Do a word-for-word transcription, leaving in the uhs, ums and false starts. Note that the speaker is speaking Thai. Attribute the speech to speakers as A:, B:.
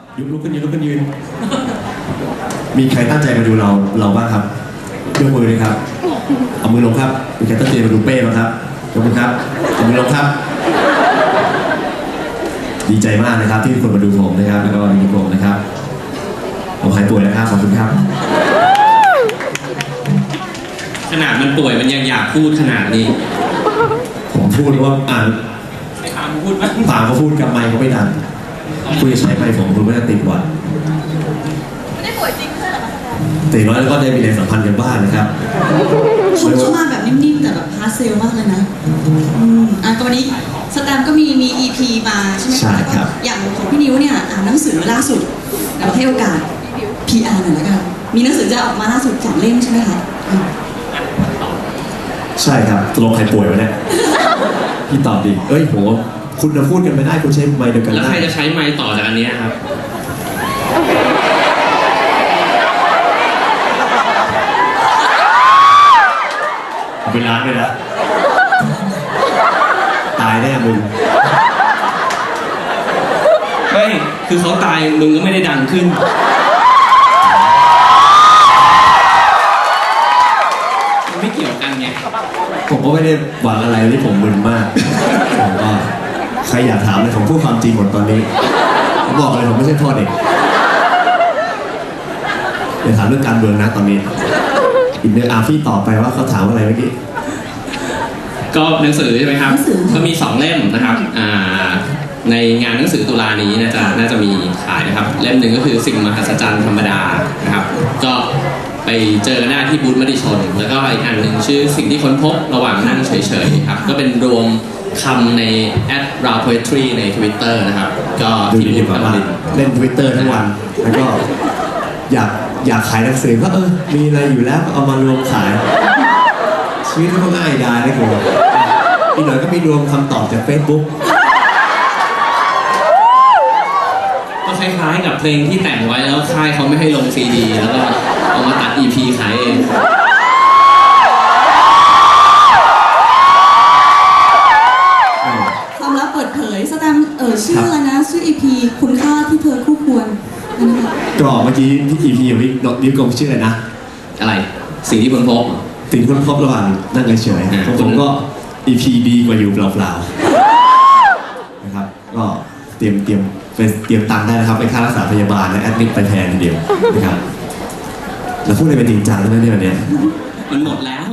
A: ยุลุกขึ้นยืนลุกขึ้นยืนมีใครตั้งใจมาดูเราเราบ้างครับยกมือเลยครับเอามือลงครับมีใครตั้งใจมาดูเป้บ้างครับยกมือครับเอามือลงครับดีใจมากนะครับที่มีคนมาดูผมนะครับแล้วก็ดูผมนะครับผมหายป่วยแล้วครับขอบคุณครับ
B: ขนาดมันป่วยมันยังอยากพูดขนาดนี้
A: ผมพูดว่าอ่าน
B: ไอ้ถามพูดไหม
A: ถามเขาพูดกับไมค์เขาไม่ดังคุยใช้ไมค์ผมคุณไม่ได้ติดวัด
C: ไม่ได้ป่วยจริงใช่หรอคะ
A: แต่น้อยแล้วก็ได้มีแรงสัมพันธ์กันบ้างนะครับ
C: คุณเข้ามาแบบนิ่มๆแต่แบบฮาร์ดเซลมากเลยนะอืมอ่ะตอนนี้สแตมก็มีมี อี พี มาใช่ไหมคะ
A: ใช่ครับ
C: อย่างของพี่นิ้วเนี่ยอ่านหนังสือล่าสุดเราให้โอกาส พี อาร์ หน่อยละกันมีหนังสือจะออกมาล่าสุดสองเล่มใช่ไหมคะ
A: ใช่ครับตกลงใครป่วยวะเนี่ยพี่ตอบดิเอ้ยโหคุณจะพูดกันไม่ได้คุณใช้ไมค์เดียวกัน
B: แล้วใครจะใช้ไมค์ต่อจากอันนี้ครับ
A: เอาไปล้างเลยนะตายแน่มึง
B: ไม่คือเขาตายมึงก็ไม่ได้ดังขึ้นมันไม่เกี่ยวกันไง
A: ผมก็ไม่ได้หวังอะไรที่ผมมึนมากผมก็ใครอยากถามอะไรผมพูดความจริงหมดตอนนี้ผมบอกเลยผมไม่ใช่พ่อเด็กเดี๋ยวถามเรื่องการเมืองนะตอนนี้อีกเรื่องอาฟี่ต่อไปว่าเขาถามอะไรเมื่อกี้
B: ก็หนังสือใช่ไหมครับก็มีสองเล่มนะครับในงานหนังสือตุลานี้น่าจะน่าจะมีขายนะครับเล่มหนึ่งก็คือสิ่งมหัศจรรย์ธรรมดานะครับก็ไปเจอกันได้ที่บูธมติชนแล้วก็อีกอันหนึ่งชื่อสิ่งที่ค้นพบระหว่างนั่งเฉยๆครับก็เป็นรวมคำในแอด raw poetry ใน Twitter นะครับก็
A: ที่บูธแบบว่าเล่น Twitter ทั้งวันแล้วก็อยากอยากขายหนังสือก็เออมีอะไรอยู่แล้วก็เอามารวมขายชีวิตก็ง่ายดายนะคุณอีกหน่อยก็มีรวมคำตอบจาก Facebook
B: ก็คล้ายๆกับเพลงที่แต่งไว้แล้วค่ายเขาไม่ให้ลงซีดีแล้วก็เอามาตัด อี พี ขายเอง
C: ความลับเปิดเผยสแตมเออชื่ออะไรนะชื่อ อี พี คุณค่าที่เธอคู่ควร
A: ก็เมื่อกี้ที่ อี พี ของนิ้วกลมชื่ออะไรนะ
B: อะไรสิ่งที่ค้นพบ
A: สิ่งค้นพบระหว่างนั่งเฉยๆของผมก็ อี พี ดีกว่าอยู่เปล่าๆนะครับก็เตรียมเตรียมไปเตรียมตังค์ได้นะครับไปค่ารักษาพยาบาลและแอดมิดไปแทนทีเดียวนะครับแล้วพูดอะไรเป็นจริงจังแล้วเนี่ยวันนี้
B: มันหมดแล้ว